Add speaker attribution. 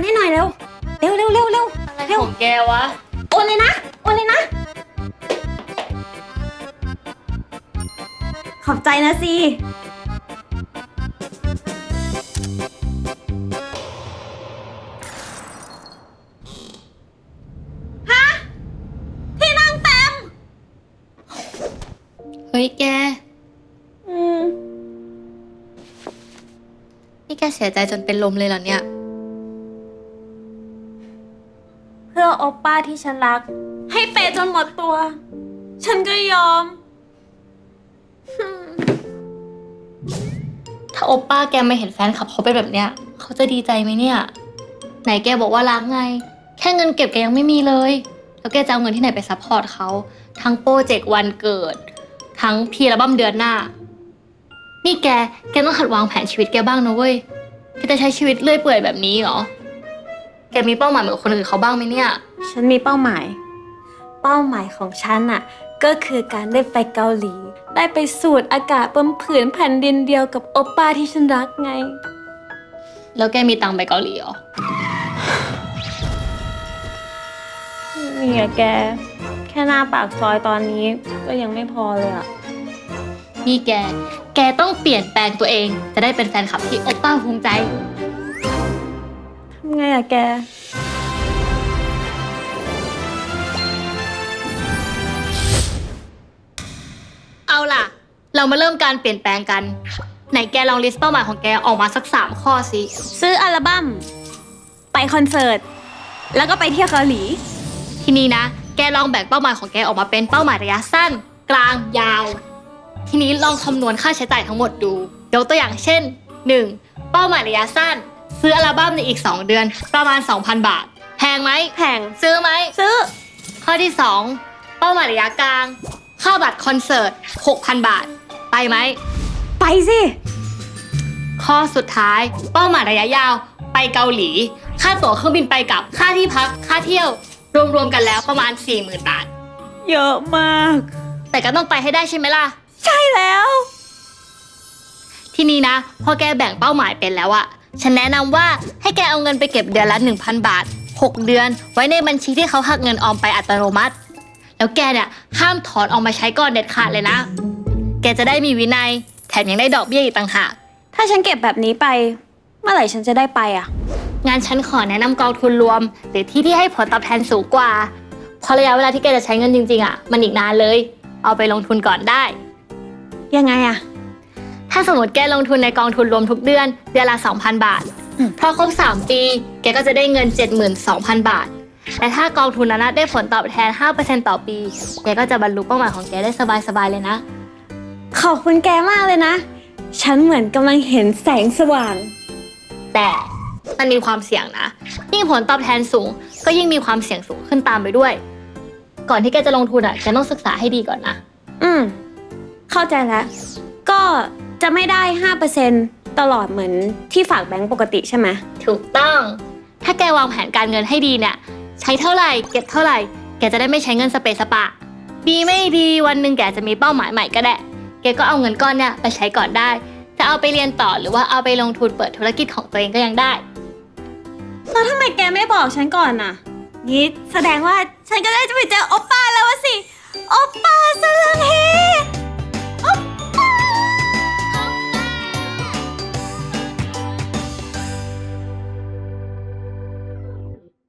Speaker 1: ให้หน่อยเร็วเร็วเร็วเร็วเร็ว
Speaker 2: อะไรของแกวะ
Speaker 1: โอนเลยนะโอนเลยนะขอบใจนะซีฮะที่นั่งเต็ม
Speaker 2: เฮ้ยแก
Speaker 1: ม
Speaker 2: นี่แกเสียใจจนเป็นลมเลยเหรอเนี่ย
Speaker 1: เพื่อโอป้าที่ฉันรัก ให้เปย์จนหมดตัว ฉันก็ยอม
Speaker 2: ถ้าโอป้าแกไม่เห็นแฟนคลับเขาเป็นแบบเนี้ยเขาจะดีใจไหมเนี่ย ไหนแกบอกว่ารักไง แค่เงินเก็บแกยังไม่มีเลย แล้วแกจะเอาเงินที่ไหนไปซัพพอร์ตเขาทั้งโปรเจกต์วันเกิด ทั้งพรีอัลบั้มเดือนหน้า นี่แกต้องหัดวางแผนชีวิตแกบ้างนะเว้ย แกจะใช้ชีวิตเลื่อยเปื่อยแบบนี้เหรอ แกมีเป้าหมายเหมือนคนอื่นเขาบ้างไหมเนี่ย
Speaker 1: ฉันมีเป้าหมาย เป้าหมายของฉันน่ะ ก็คือการได้ไปเกาหลี ได้ไปสูดอากาศบนผืนแผ่นดินเดียวกับโอป้าที่ฉันรักไง
Speaker 2: แล้วแกมีตังค์ไปเกาหลีเหรอ
Speaker 1: นี่อะแก แค่หน้าปากซอยตอนนี้ก็ยังไม่พอเลยอะ
Speaker 2: นี่แกต้องเปลี่ยนแปลงตัวเอง จะได้เป็นแฟนคลับที่โอป้าภูมิใจ
Speaker 1: ทำไงอะแก
Speaker 2: เอาล่ะ เรามาเริ่มการเปลี่ยนแปลงกัน ไหนแกลองลิสต์เป้าหมายของแกออกมาสัก3ข้อสิ
Speaker 1: ซื้ออัลบั้ม ไปคอนเสิร์ต แล้วก็ไปเที่ยวเกาหลี
Speaker 2: ทีนี้นะ แกลองแบ่งเป้าหมายของแกออกมาเป็นเป้าหมายระยะสั้น กลาง ยาว ทีนี้ลองคำนวณค่าใช้จ่ายทั้งหมดดู ยกตัวอย่างเช่น 1. เป้าหมายระยะสั้น ซื้ออัลบั้มในอีก2 เดือน ประมาณ 2,000 บาท แพงไหม
Speaker 1: แพง
Speaker 2: ซื้อไหม
Speaker 1: ซื้อ
Speaker 2: ข้อที่ 2 เป้าหมายระยะกลาง ค่าบัตรคอนเสิร์ต 6,000 บาท ไปไหม
Speaker 1: ไปสิ
Speaker 2: ข้อสุดท้าย เป้าหมายระยะยาว ไปเกาหลี ค่าตั๋วเครื่องบินไปกลับ ค่าที่พัก ค่าเที่ยว รวมๆกันแล้วประมาณ 40,000 บาท
Speaker 1: เยอะมาก
Speaker 2: แต่ก็ต้องไปให้ได้ใช่ไหมล่ะ
Speaker 1: ใช่แล้ว
Speaker 2: ทีนี้นะ พอแกแบ่งเป้าหมายเป็นแล้วอะฉันแนะนำว่าให้แกเอาเงินไปเก็บเดือนละ 1,000 บาท 6 เดือน ไว้ในบัญชีที่เขาหักเงินออมไปอัตโนมัติ แล้วแกเนี่ยห้ามถอนออกมาใช้ก่อนเด็ดขาดเลยนะ แกจะได้มีวินัย แถมยังได้ดอกเบี้ยอีกต่างหาก
Speaker 1: ถ้าฉันเก็บแบบนี้ไป เมื่อไหร่ฉันจะได้ไปอะ
Speaker 2: งานฉันขอแนะนำกองทุนรวม หรือที่ให้ผลตอบแทนสูงกว่าเพราะระยะเวลาที่แกจะใช้เงินจริงๆอะมันอีกนานเลย เอาไปลงทุนก่อนได้
Speaker 1: ยังไงอะ
Speaker 2: ถ้าสมมติแกลงทุนในกองทุนรวมทุกเดือนเดือนละ 2,000 บาท พอครบ3 ปี แกก็จะได้เงิน 72,000 บาท และถ้ากองทุนนั้นได้ผลตอบแทน 5% ต่อปี แกก็จะบรรลุเป้าหมายของแกได้สบายๆเลยนะ
Speaker 1: ขอบคุณแกมากเลยนะ ฉันเหมือนกำลังเห็นแสงสว่าง
Speaker 2: แต่มันมีความเสี่ยงนะ ยิ่งผลตอบแทนสูง ก็ยิ่งมีความเสี่ยงสูงขึ้นตามไปด้วย ก่อนที่แกจะลงทุนแกต้องศึกษาให้ดีก่อนนะ
Speaker 1: เข้าใจแล้ว ก็จะไม่ได้ 5% ตลอดเหมือนที่ฝากแบงก์ปกติใช่ไหม
Speaker 2: ถูกต้อง ถ้าแกวางแผนการเงินให้ดีเนี่ยใช้เท่าไหร่เก็บเท่าไหร่ แกจะได้ไม่ใช้เงินสเปะสปะ ดีไม่ดีวันหนึ่งแกจะมีเป้าหมายใหม่ก็ได้ แกก็เอาเงินก้อนเนี่ยไปใช้ก่อนได้ จะเอาไปเรียนต่อหรือว่าเอาไปลงทุนเปิดธุรกิจของตัวเองก็ยังได้
Speaker 1: แล้วทำไมแกไม่บอกฉันก่อนน่ะนี่แสดงว่าฉันก็ได้จะไปเจอโอปป้าแล้ววะสิ โอปป้าสลังเฮ